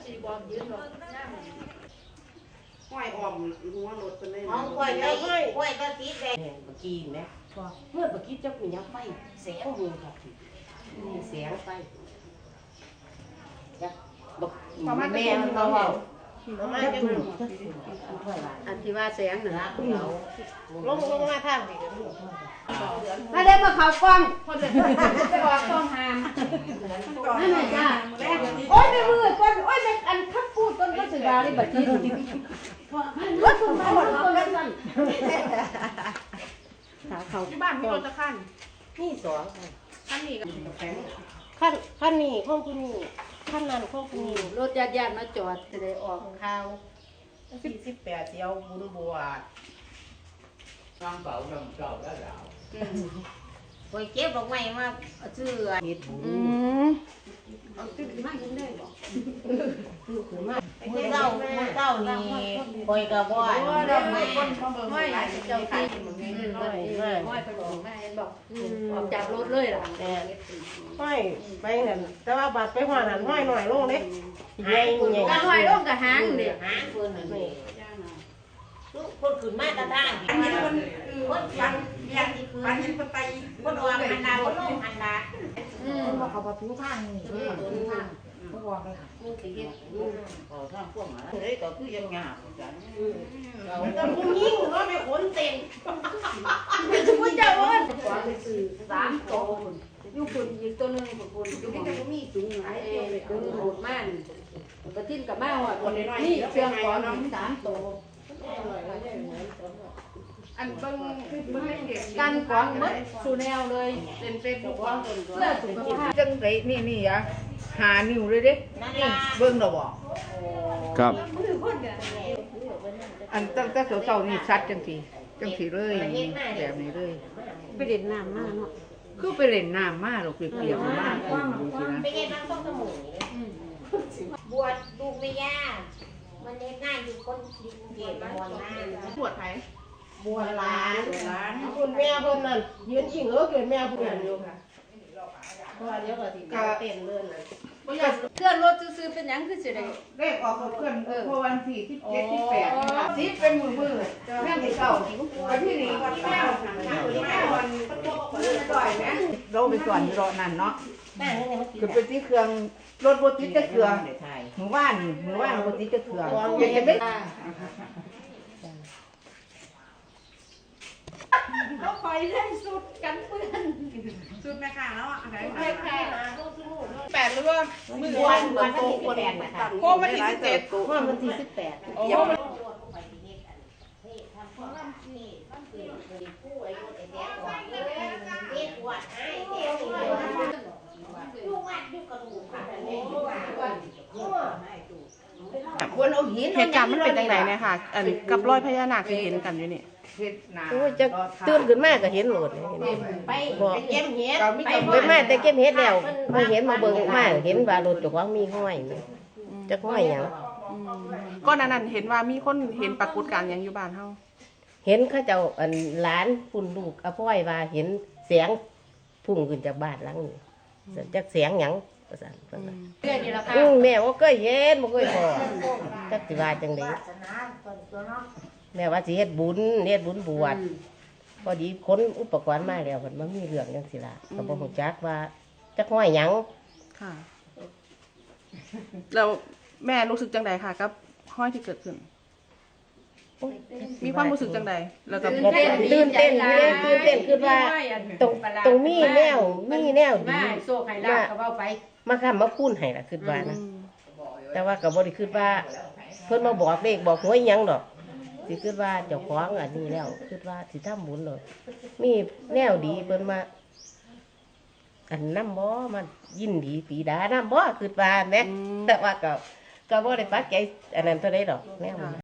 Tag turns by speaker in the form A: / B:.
A: ห้อยออมหัวรถเป็นเลย
B: ห้องกล้วยก็กล้วยก็ติดได้เมื่อกี้นะเมื่อกี้เจ้ามียักษ์ไฟแสงมือครับมีแสงไฟยักษ์บอกแม่เราเอาจักดู
C: อันที่ว่าแสงน่ะ
B: ลงมาทางนี้
C: ถ้าได้มาเขากล้องคนจะออกกล้องหามนั่นแหละจ้าโอ้ยไม่มือก้นโอ้ยอันขับพูดต้นก็สืบาเลยบัดนี้รถคุณมาหมดต้นแล้วสั่นขาเขา
A: ที่บ้านมีรถจะขั้น
B: นี่สอง
A: ขั้นนี้กับแข็ง
B: ขั้นนี้ข้องคุณนี่ขั้นนั้นข้องคุณนี่
C: รถญาติมาจอดจะได้ออกข่าว
A: 48เที่ยวบุญบวช
D: Con cậu đồng cậu đã đạo
B: ไปเก็บดอกไม้มาซื้อเห็ดบุญเจ้านี่คอยกระบอกดอกไม้
C: ห้อยเจ้าที่ห้อยไปบอกแม่บอกออกจากรถเลยล่ะ
A: ห้อยไปนั่นแต่ว่าบาดไปหัวนั่นห้อยหน่อยลงเด้
B: หายใหญ่
C: ก็ห้อยลงกับหางเด็ก
B: หางคนนี่คนขึ้นมาตาด้านคนฟันยังที่คืนคนออกหันดาคนลงหันดาคนบอกเขาประตูทางนี่เขาบอกเลยค่ะกูตีเขาทางพวกหมาเฮ้ยก็คือยังงาจังมันก็พุ่งยิ่งเนาะไม่ขนเต็มคุณเจ้าเอิ้น
C: 3 โตอยู่คนอีกตัวนึงคนอยู่ที่ก็มีสูงหลายตัวโหดมากกระทิ้นกับมาหอดนี่เชียงของ3 โต
A: อันเบิ่งเด็ก
C: กันของหมดสู่แนวเลย
A: เป็นเฟซบุ๊กว่า
C: เพื่อสุขภาพ
A: จังไดนี่อ่ะหานิ้วเลยเด้นี่เบิ่งดอกบ่
E: ครับ
A: อันตั้งแต่เช้าๆนี่ซัดจังซี่เลยแบบนี้เลย
C: ไปเด็ดน้ำมากเนาะ
A: คือไปเล่นน้ำมาหรอกเปียกๆมากดูสินะ
B: ไปเก็บน้ำต้มสมุนบวชลูกไม่ยากมันเล็กง่ายอยู่คนเก็บบวชง่าย
A: ปวดไผ
B: บวชหลาน
A: คุณแม่เพิ่นนั่นยืนชิงเกิดแม่เพิ่นอยู่ค่ะ
B: เพราะว่าเดี๋ยวก็สิเต้นเลื่อนน่ะ
C: เคลื่อนรถซื้อเป็นหยังคือสิได้
A: เลขออกกับเพื่อนเพราะวันที่17 18นี่ล่ะสิเป็นมือแม่ที่เก่าวันที่นี่วันแม่วันก่อยแม่เราไปก่อนรอนั่นเนาะ
B: แม่นี่มันกิน
A: คือเป็นที่เครื่องรถบ่ติดจะเครื่องหมู่บ้านบ่ติดจะเครื่องอย่างนี้
C: เขาคอยเล่นสุดกันเพื่อน
A: สุดแม่ค่ะแล้วอ่ะ
B: แค่นะลูก
A: 8หรือว่ามื้อบ
B: วชวันที่18นะคะ
A: โคมันที่17
B: เพราะมันที่18
A: โอ้
F: เหตุการณ์มันเป็นยังไงเนี่ยค่ะ อันกับรอยพญานาคที่เห็นกันอยู่นี่
B: โอ้ยจะตื่นขึ้นมาก็เห็นโหลดไปเก็บเห็ดไปมาแต่เก็บเห็ดแล้วมาเห็นมาเบิ่งมาเห็นว่ารถเจ้าของมีห้อยจักห้อยหยัง
F: ก่อนหน้านั้นเห็นว่ามีคนเห็นปรากฏการณ์หยังอยู่บ้านเฮา
B: เห็นเขาเจ้าอันหลานปุ่นลูกอาพ่อยว่าเห็นเสียงพุ่งขึ้นจากบ้านหลังนี้จักเสียงหยังประสานเพิ่นว่า
C: เพื่อนนี่ละค่ะ
B: แม่บ่เคยเห็นบ่เคยพอจักสิว่าจังได๋แม่ว่าสิเฮ็ดบุญบวชพอดีคนอุปกรณ์มาแล้วเพิ่นมามีเรื่องจังซี่ล่ะก็บ่ฮู้จักว่าจักห้อยหยัง
F: ค่ะ แล้วแม่รู้สึกจังใดค่ะกับห้อยที่เกิดขึ้น มีความรู้สึกจังใดแล้วก็
B: ตื่นเต้นคือว่าตรงมีแนวดี
C: มาโซ่ไข่ลาบก็เว้าไป
B: มาค้ำมาพูนให้ล่ะคิดว่านะแต่ว่าก็บ่ได้คิดว่าเพิ่นมาบอกเลขบอกหวยหยังดอกสิคิดว่าเจ้าของอันนี้แล้วคิดว่าสิทำบุญเลยมีแนวดีเพิ่นมาอันนำบ่มายินดีปีดานำบ่คิดว่าแหมแต่ว่าก็บ่ได้ปักใจอันนั้นเท่าใดดอกแนว